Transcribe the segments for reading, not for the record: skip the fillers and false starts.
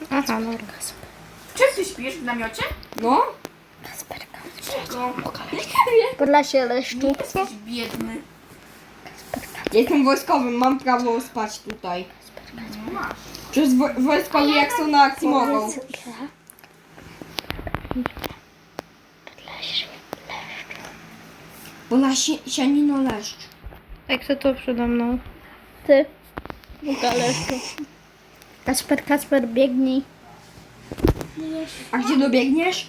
Aha, no. Czym ty śpisz? W namiocie? No? Czego? Podlasie Leszczu. Jesteś biedny. Jestem wojskowym, mam prawo spać tutaj. No masz. Przecież wojskowi jak są na akcji mogą. Bo na sianino leszcz. Jak to to przede mną? Ty. Buka Leszczu. Kasper, biegnij. A gdzie dobiegniesz?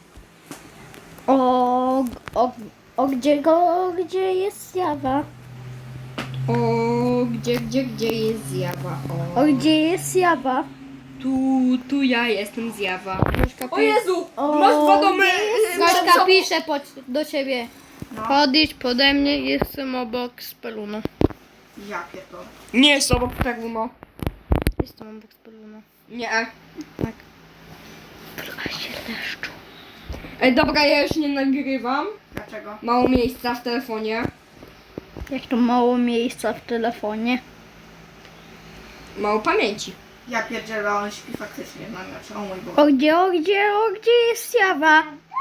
Gdzie jest Jawa? O, gdzie jest zjawa? Gdzie jest Jawa? Tu ja jestem zjawa. O Jezu! Jezu! Masz dwa domy! Gośka pisze do ciebie. No. Podjedź pode mnie, jestem obok Speluno. Ja pierdolę. Nie jest obok Peruno. Jestem obok Speluno. Nie. Tak. Podlasie Leszczu. Ej, dobra, ja już nie nagrywam. Dlaczego? Mało miejsca w telefonie. Jak to mało miejsca w telefonie. Mało pamięci. Ja pierdzielę, on śpi faktycznie w namiocie. O mój Boże. Gdzie jest Jawa?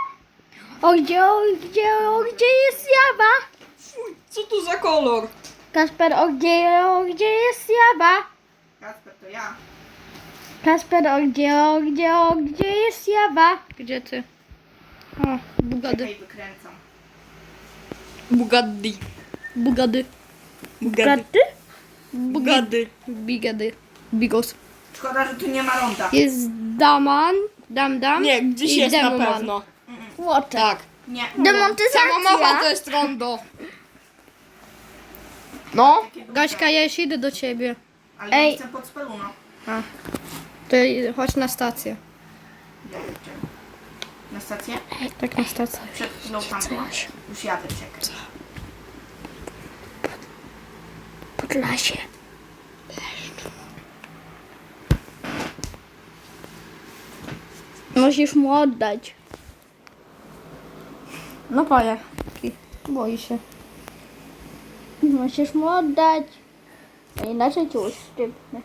Gdzie jest Jawa? Fuj, co to za kolor? Kasper, gdzie jest Jawa? Kasper, to ja. Kasper, gdzie jest Jawa? Gdzie ty? O, Bugady. Czekaj, wykręcam. Bugatti. Bugady. Bugatti. Bugady? Bugatti. Bigady. Bigos. Szkoda, że tu nie ma ronda. Jest Daman. Dam. Nie, gdzieś i jest na Demoman. pewno. Łocze. Tak. Nie. Samomowa to jest rondo. No. Gaśka, ja już idę do ciebie. Ale Ej. ja chcę pod speluno. To chodź na stację. Ja pierdzielę. Na stację? Tak, na stację. Przed chwilą tam byłam. Już jadę, czekaj. Podlasie. Musisz mu oddać. No panie. Boi się. Musisz mu oddać. A inaczej cię uszczypnę.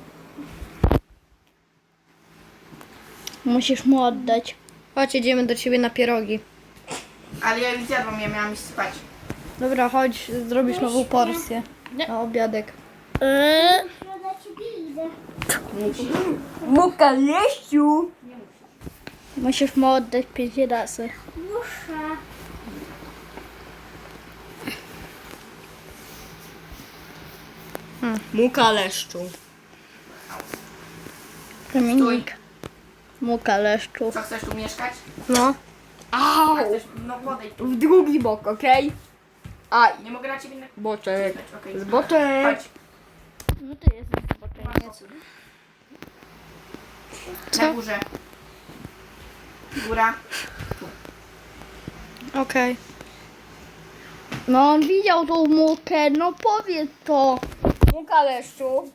Musisz mu oddać. Chodź, jedziemy do ciebie na pierogi. Ale ja już zjadłam, ja miałam iść spać. Dobra, chodź, zrobisz nową porcję. Na obiadek. Muka leściu. Musisz mu oddać 5 razy. Muka leszczu. Dominik. Muka Leszczu. Co, chcesz tu mieszkać? No. Au! A chcesz, no podejdź tu. W drugi bok, okej? A, Nie mogę na ciebie boczek. okej. Boczek. Chodź. No ty jesteś zboczeniec. Na górze. Góra. Okej. No on widział tą mukę, no powiedz to. Muka leszczu.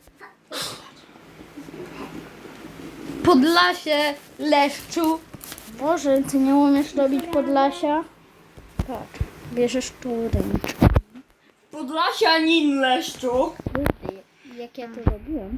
Podlasie Leszczu. Boże, ty nie umiesz robić Podlasia? Patrz, bierzesz tu ręcz. Podlasianin leszczu. Jak ja to robiłem?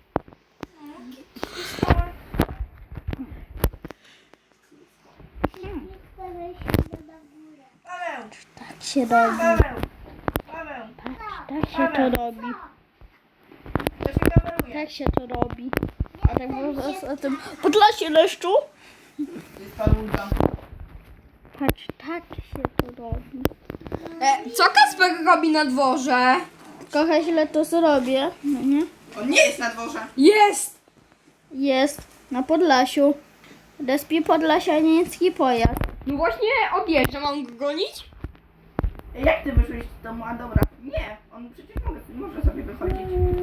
Paweł, Tak się robi. Paweł, Paweł. Tak się to robi. To się kameruje. Tak się to robi. A tak można o tym Podlasie Leszczu? To jest Pawełka. Patrz, tak się to robi. Co Kasper robi na dworze? Trochę źle to zrobię. No nie? On nie jest na dworze. Jest! Jest na Podlasiu. Respi podlasianicki pojazd. No właśnie odjeżdża, mam go gonić? Jak ty wyszłeś z domu? A dobra. Nie, on przecież może sobie wychodzić.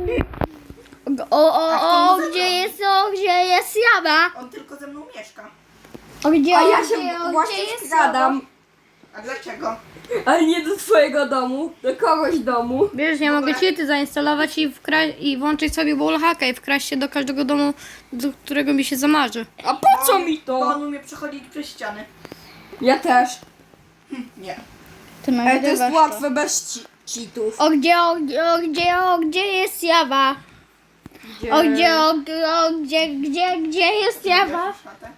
Gdzie jest Jawa? On tylko ze mną mieszka. Gdzie, A ja się właśnie skradam. A dlaczego? Ale nie do twojego domu, do kogoś domu. Wiesz, ja mogę cheaty zainstalować i włączyć sobie wallhacka i wkraść się do każdego domu, do którego mi się zamarzy. A po co mi Bo to? on umie przechodzić przez ściany. Ja też. Nie. Ty Ale to jest łatwe bez cheatów. Gdzie jest Jawa? Gdzie jest Jawa? Chatę?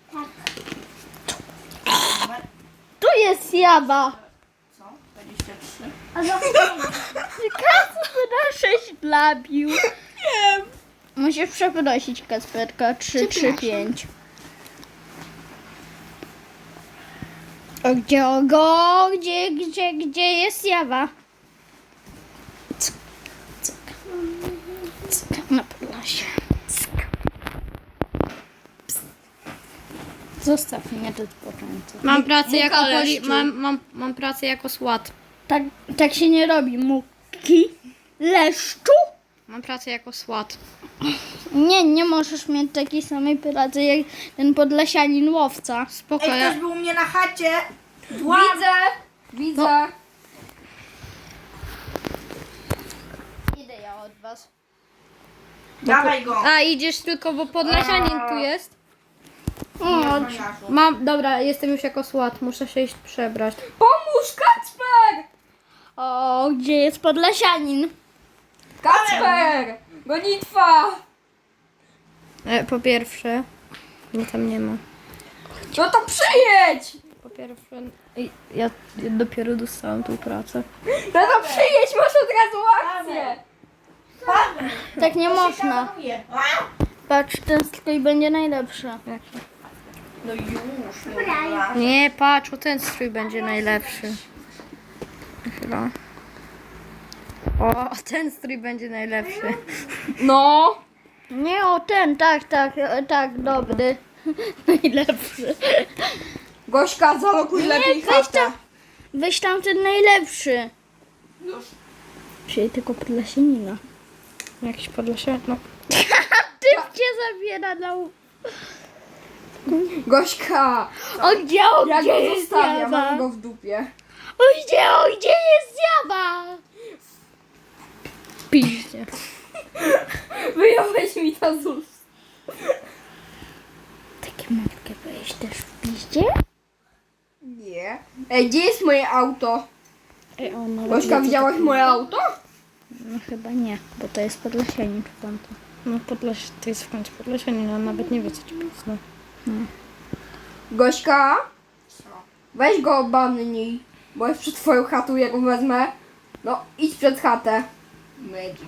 Tu jest Jawa. Co? 23. A za Kasper 6 labił. Nie. Musisz przeprosić Kasperka 3, 3, 5. Gdzie jest Jawa? Cyk, cyk, cyk, na Podlasie. Cyk. Pst. Zostaw mnie do odpoczęcia. Mam pracę jako leszczu. mam pracę jako SWAT. Tak się nie robi. Muki leszczu? Mam pracę jako SWAT. Nie możesz mieć takiej samej pracy jak ten podlasianin łowca. Spoko, Ej, ja... ktoś był u mnie na chacie. Widzę. Idę ja od was. Dawaj go. A, idziesz tylko, bo podlasianin tu jest. No, Dobra, jestem już jako SWAT, muszę się iść przebrać. Pomóż, Kacper! O, gdzie jest podlasianin? Kacper! Gonitwa! Po pierwsze, mnie tam nie ma. No to przyjedź! Po pierwsze, ja dopiero dostałam tą pracę. No to przyjedź, masz od razu akcję! Tak nie można. Szanuje. Patrz, ten strój będzie najlepszy. No już. Dobra. Nie, patrz, o ten strój będzie najlepszy. Chyba. O, ten strój będzie najlepszy. No! Nie, o ten, tak, dobry. Najlepszy. Gośka, zalokuj lepiej chatę. Weź tam ten najlepszy. Już. Czyli tylko podlasianina. Jakiś podlasianin, no. Ty cię zabiera na Gośka! gdzie Ja go jest zostawiam, Jawa? mam go w dupie. Gdzie jest Jawa? Piździe. Wyjąłeś mi to z ust. Takie malutkie byłeś też w piździe? Nie. Ej, gdzie jest moje auto? Ej, ona Gośka, widziałaś moje auto? No chyba nie, bo to jest podlasianin czy tamto. No to jest w końcu podlasianin, a nawet nie wie co ci pisno. Gośka, Co? weź go obanij, bo jest przed twoją chatą, jak go wezmę. No, idź przed chatę. Magic.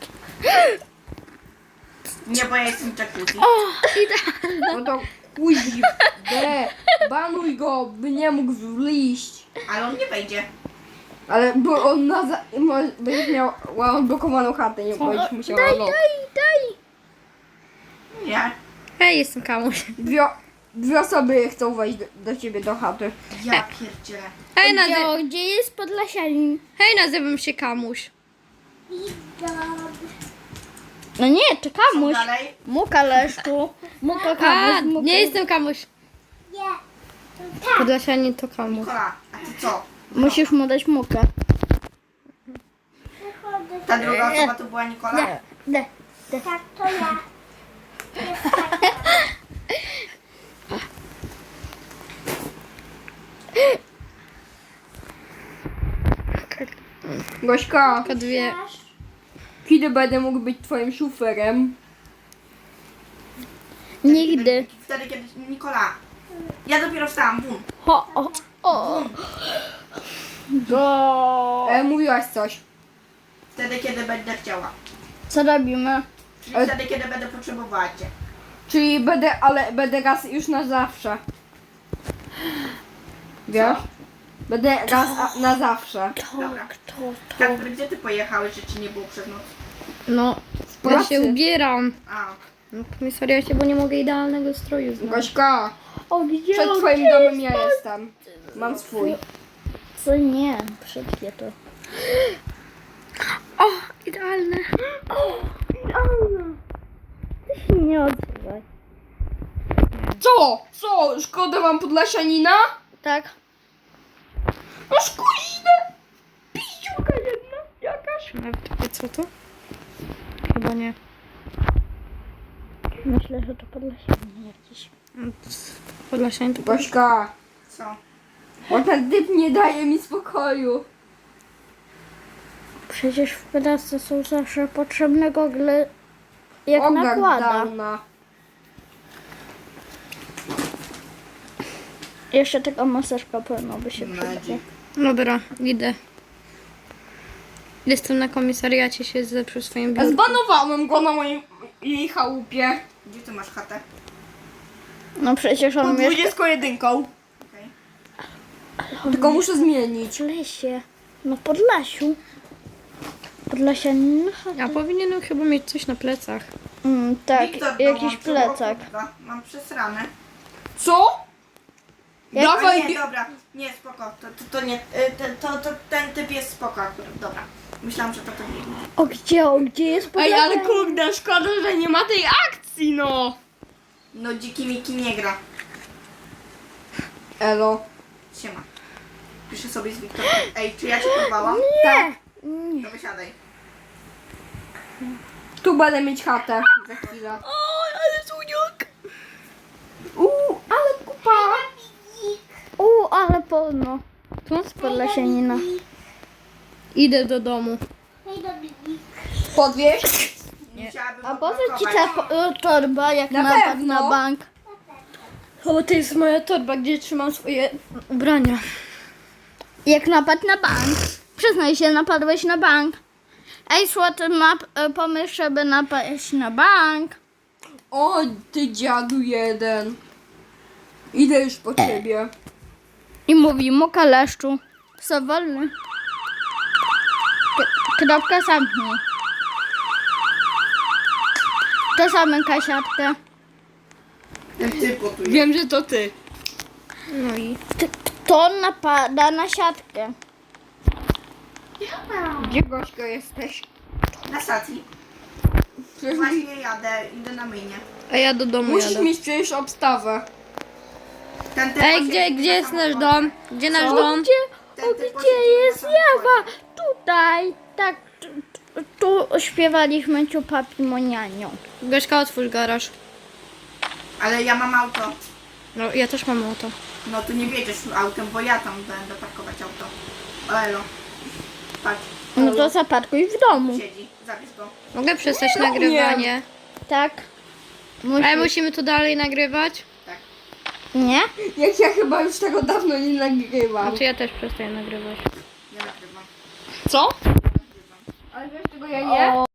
Nie, bo ja jestem jacuzzi. No to kuźbe, banuj go, by nie mógł wliść. Ale on nie wejdzie. Ale bo on będziesz miał odblokowaną chatę, nie będziesz musiała lock. Daj! Nie. Hej, jestem Kamuś. Dwie osoby chcą wejść do ciebie do chaty. Ja pierdzielę. Hej, Gdzie jest podlasianin? nazywam się Kamuś. No nie, to Co Kamuś. dalej? Muka leszczu. Muka Kamuś. Muka. Nie jestem Kamuś. Podlasianin to Kamuś. Nikola, a ty co? Musisz mu dać mukę. Ta druga osoba to była Nikola? De. Tak, to ja. Gośka, kiedy będę mógł być twoim szuferem? Nigdy. Wtedy, kiedy... Nikola. Ja dopiero wstałam. Bum. O. Go. Mówiłaś coś. Wtedy, kiedy będę chciała. Co robimy? Czyli wtedy, kiedy będę potrzebowała cię. Czyli będę raz już na zawsze. Wiesz? Będę raz na zawsze. Dobra. To. Kacper, gdzie ty pojechałeś, że ci nie było przez noc? No, ja pracy. się ubieram. A, No, komisariacie, bo nie mogę idealnego stroju znaleźć. Gośka, O, gdzie? przed twoim domem ja jestem. Mam swój. Co nie? Wszystkie to. O, idealne. Ty się nie odzywaj. Co? Co? Szkoda wam podlasianina? Tak? No szkuźne! Piściuka jedna jakaś. Nawet co to? Chyba nie. Myślę, że to podlasianin jakiś. Podlasianin to... Gośka, co? bo ten typ nie daje mi spokoju. Przecież w pracy są zawsze potrzebne gogle. jak nakłada. Downa. Jeszcze taka maseczka pewno by się przydała. Magic. Dobra, idę. Jestem na komisariacie, siedzę przy swoim biurku. Zbanowałem go na jej chałupie. Gdzie ty masz chatę? No przecież on Pod mieszka 21. Okej. Tylko muszę zmienić. w lesie. No w Podlasiu. Podlasianin. A powinienem chyba mieć coś na plecach. Tak, Wiktor jakiś dołączył, plecak. o kurwa, mam przesrane. Co? Jak- A Dawaj, nie, dobra, nie, spoko, to nie, ten typ jest spoko akurat, dobra. Myślałam, że to nie. O gdzie jest Ej, Podlasia? ale kurde, szkoda, że nie ma tej akcji, no. No dziki Miki nie gra. Elo. Siema. Piszę sobie z Wiktorem. Ej, czy ja cię porwałam? Nie. To wysiadaj. Tu będę mieć chatę za chwilę. O, ale suniok. Ale kupa. Ale polno. Tu z Podlasianina. Idę do domu. Podwieźć? Musiałabym A po co ci odblokować. ta torba jak Na napad pewno. na bank? O, to jest moja torba, gdzie trzymam swoje ubrania. Jak napad na bank. Przyznaj się, napadłeś na bank. Ej, słoty ma pomysł, żeby napaść na bank. O, ty dziadu jeden. Idę już po ciebie. I mówi mu kaleszczu. Co wolny. Kropka zamknij. To zamyka siatkę. Ten typ gotuje. Wiem, że to ty. No i Kto napada na siatkę? Gdzie Gośko jesteś? Na stacji. Właśnie jadę, idę na myjnie. a ja do domu Musisz jadę. mieć przecież obstawę. Ten typ Ej, posiedzi gdzie na jest nasz samochodzie. dom? Gdzie nasz O, dom? gdzie, Ten o, typ gdzie posiedzi jest na samochodzie. Jawa? Tutaj. Tak, tu śpiewaliśmy ciupapi monianią. Gośka, otwórz garaż. Ale ja mam auto. No, ja też mam auto. No tu nie wiedziesz autem, bo ja tam będę parkować auto. O elo. Patrz, No to zaparkuj w domu. siedzi. Zabierz go. Mogę przestać nagrywanie? Tak. Ale musimy tu dalej nagrywać? Tak. Nie? Jak ja chyba już tego dawno nie nagrywam. Znaczy ja też przestaję nagrywać. Nie nagrywam. Co? Nagrywam. Ale wiesz, czego ja nie?